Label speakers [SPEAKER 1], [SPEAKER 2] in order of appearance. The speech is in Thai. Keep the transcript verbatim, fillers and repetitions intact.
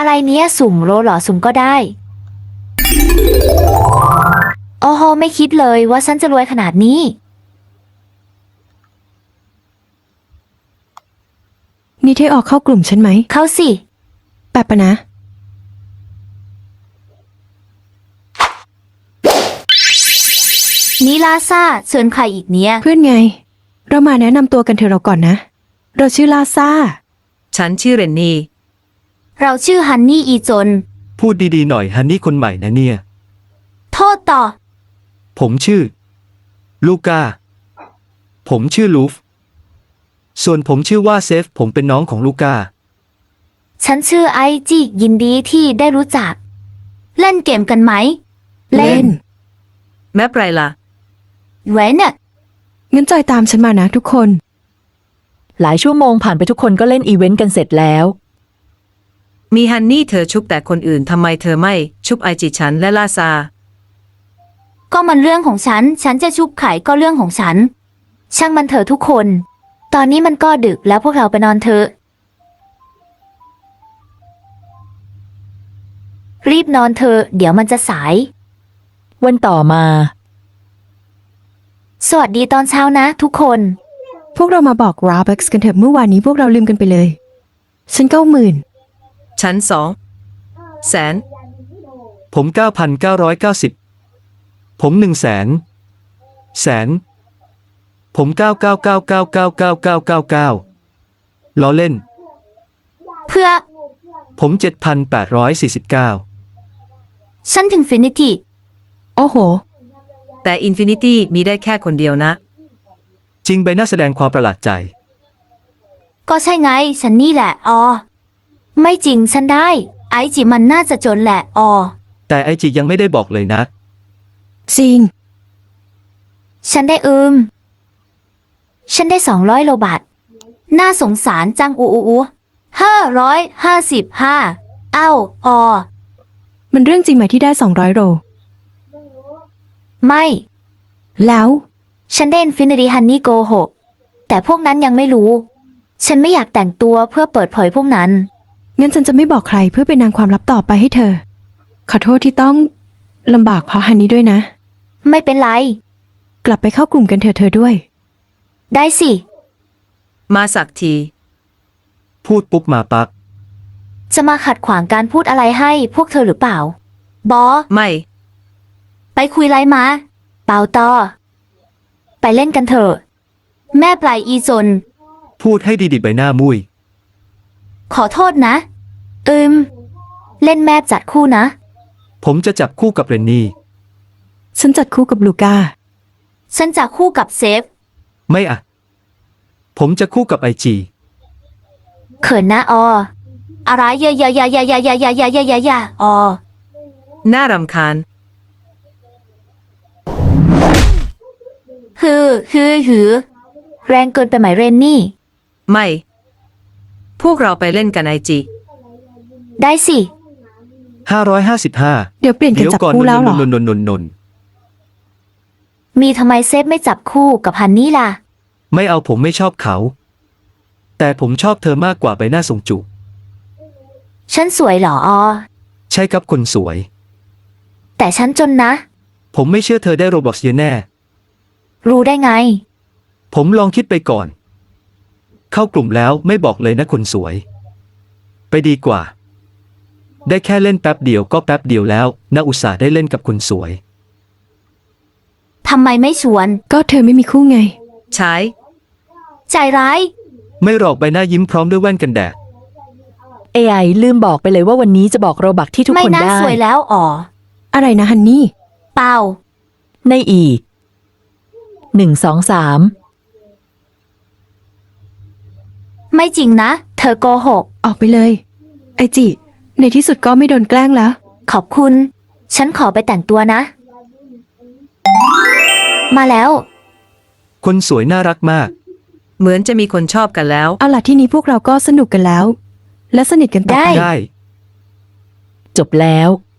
[SPEAKER 1] อะไรเนี้ยสุ่มโรลเหรอสุ่มก็ได้โอ้โหไม่คิดเลยว่าฉันจะรวยขนาดนี้
[SPEAKER 2] นี่เธอออกเข้ากลุ่มฉันไหม
[SPEAKER 1] เข้าสิ
[SPEAKER 2] แป๊บปะนะ
[SPEAKER 1] นี่ลาซ่าส่วนใครอีกเนี่ย
[SPEAKER 2] เพื่อนไงเรามาแนะนำตัวกันเถอะเราก่อนนะเราชื่อลาซ่า
[SPEAKER 3] ฉันชื่อเรนนี่
[SPEAKER 1] เราชื่อฮันนี่อีจน
[SPEAKER 4] พูดดีๆหน่อยฮันนี่คนใหม่นะเนี่ย
[SPEAKER 1] โทษต่อ
[SPEAKER 4] ผมชื่อลูก้าผมชื่อลูฟส่วนผมชื่อว่าเซฟผมเป็นน้องของลูก้า
[SPEAKER 1] ฉันชื่อไอจียินดีที่ได้รู้จักเล่นเกมกันไหม
[SPEAKER 2] เล่น
[SPEAKER 3] แม่ไพรล่ะ
[SPEAKER 1] เว้นน่ะ
[SPEAKER 2] งั้นจอยตามฉันมานะทุกคน
[SPEAKER 5] หลายชั่วโมงผ่านไปทุกคนก็เล่นอีเวนต์กันเสร็จแล้ว
[SPEAKER 3] มีฮันนี่เธอชุบแต่คนอื่นทำไมเธอไม่ชุบไอจีฉันและลาซา
[SPEAKER 1] ก็มันเรื่องของฉันฉันจะชุบไข่ก็เรื่องของฉันช่างมันเถอะทุกคนตอนนี้มันก็ดึกแล้วพวกเราไปนอนเถอะรีบนอนเถอะเดี๋ยวมันจะสาย
[SPEAKER 5] วันต่อมา
[SPEAKER 1] สวัสดีตอนเช้านะทุกคน
[SPEAKER 2] พวกเรามาบอก Robux กันเถอะเมื่อวานนี้พวกเราลืมกันไปเลยฉันเก้าหมื่น
[SPEAKER 3] ฉันสองแสน
[SPEAKER 4] ผมเก้าพันเก้าร้อยเก้าสิบผมหนึ่งแสนแสนผมเก้าเก้าเก้าเก้าเก้าเก้าเก้าเก้าเก้าล้อเล่น
[SPEAKER 1] เพื่อ
[SPEAKER 4] ผมเจ็ดพันแปดร้อยสี่สิบเก้า
[SPEAKER 1] ฉันถึงฟินิตี้
[SPEAKER 2] โอ้โห
[SPEAKER 3] แต่อินฟินิตี้มีได้แค่คนเดียวนะ
[SPEAKER 4] จริงใบหน้าแสดงความประหลาดใจ
[SPEAKER 1] ก็ใช่ไงฉันนี่แหละออไม่จริงฉันได้ไอจิมันน่าจะจนแหละออ
[SPEAKER 4] แต่ไอจิยังไม่ได้บอกเลยนะ
[SPEAKER 2] จริง
[SPEAKER 1] ฉันได้อืมฉันได้สองร้อยโลบาทน่าสงสารจังอูอูอูห้าร้อยห้าสิบห้าเอ้าออ
[SPEAKER 2] มันเรื่องจริงไหมที่ได้สองร้อยโล
[SPEAKER 1] ไม่
[SPEAKER 2] แล้ว
[SPEAKER 1] ฉันได้ Infinity Honey โกหกแต่พวกนั้นยังไม่รู้ฉันไม่อยากแต่งตัวเพื่อเปิดเผยพวกนั้น
[SPEAKER 2] งั้นฉันจะไม่บอกใครเพื่อเป็นนางความลับต่อไปให้เธอขอโทษที่ต้องลำบากเพราะฮันนี่ด้วยนะ
[SPEAKER 1] ไม่เป็นไร
[SPEAKER 2] กลับไปเข้ากลุ่มกันเถอะเธอด้วย
[SPEAKER 1] ได้สิ
[SPEAKER 3] มาสักที
[SPEAKER 4] พูดปุ๊บมาปัก
[SPEAKER 1] จะมาขัดขวางการพูดอะไรให้พวกเธอหรือเปล่าบอ
[SPEAKER 3] ไม่
[SPEAKER 1] ไปคุยไรมาเปล่าต่อไปเล่นกันเถอะแม่ปลายอีจน
[SPEAKER 4] พูดให้ดีๆใบหน้ามุ้ย
[SPEAKER 1] ขอโทษนะอืมเล่นแม่จัดคู่นะ
[SPEAKER 4] ผมจะจับคู่กับเรนนี่
[SPEAKER 2] ฉันจัดคู่กับลูก้า
[SPEAKER 1] ฉันจัดคู่กับเซฟ
[SPEAKER 4] ไม่อะผมจะคู่กับไอจี
[SPEAKER 1] เขินนะอออะไรเยอะๆๆๆๆๆๆๆๆออ
[SPEAKER 3] น่ารำคาญ
[SPEAKER 1] ฮือฮือฮือแรงเกินไปไหมเรนนี่
[SPEAKER 3] ไม่พวกเราไปเล่นกันไอจี
[SPEAKER 1] ได้สิ
[SPEAKER 4] ห้าร้อยห้าสิบห้า
[SPEAKER 2] เดี๋ยวเปลี่ยนกันจับคู่แล้วเหรอน
[SPEAKER 4] นนนน
[SPEAKER 1] มีทำไมเซฟไม่จับคู่กับฮันนี่ล่ะ
[SPEAKER 4] ไม่เอาผมไม่ชอบเขาแต่ผมชอบเธอมากกว่าใบหน้าทรงจุ
[SPEAKER 1] ฉันสวยเหรอออ
[SPEAKER 4] ใช่ครับคนสวย
[SPEAKER 1] แต่ฉันจนนะ
[SPEAKER 4] ผมไม่เชื่อเธอได้โรบล็อกเยอะแน่
[SPEAKER 1] รู้ได้ไง
[SPEAKER 4] ผมลองคิดไปก่อนเข้ากลุ่มแล้วไม่บอกเลยนะคนสวยไปดีกว่าได้แค่เล่นแป๊บเดียวก็แป๊บเดียวแล้วน่าอุตส่าห์ได้เล่นกับคนสวย
[SPEAKER 1] ทำไมไม่ชวน
[SPEAKER 2] ก็เธอไม่มีคู่ไง
[SPEAKER 3] ใช้
[SPEAKER 1] ใจร้าย
[SPEAKER 4] ไม่หรอกใบหน้ายิ้มพร้อมด้วยแว่นกันแดด
[SPEAKER 5] เอ ไอ ลืมบอกไปเลยว่าวันนี้จะบอกโรบักที่ทุกคนได้ไม่
[SPEAKER 1] น่าสวยแล้วอ๋อ
[SPEAKER 2] อะไรนะฮันนี่
[SPEAKER 1] เปล่า
[SPEAKER 5] ในอีกหนึ่งสองสาม
[SPEAKER 1] ไม่จริงนะเธอโกหก
[SPEAKER 2] ออกไปเลยไอจิในที่สุดก็ไม่โดนแกล้งแล้ว
[SPEAKER 1] ขอบคุณฉันขอไปแต่งตัวนะมาแล้ว
[SPEAKER 4] คนสวยน่ารักมาก
[SPEAKER 3] เหมือนจะมีคนชอบกันแล้ว
[SPEAKER 2] เอาล่ะที่นี้พวกเราก็สนุกกันแล้วและสนิทกันต่อไป
[SPEAKER 4] ได้
[SPEAKER 5] จบแล้ว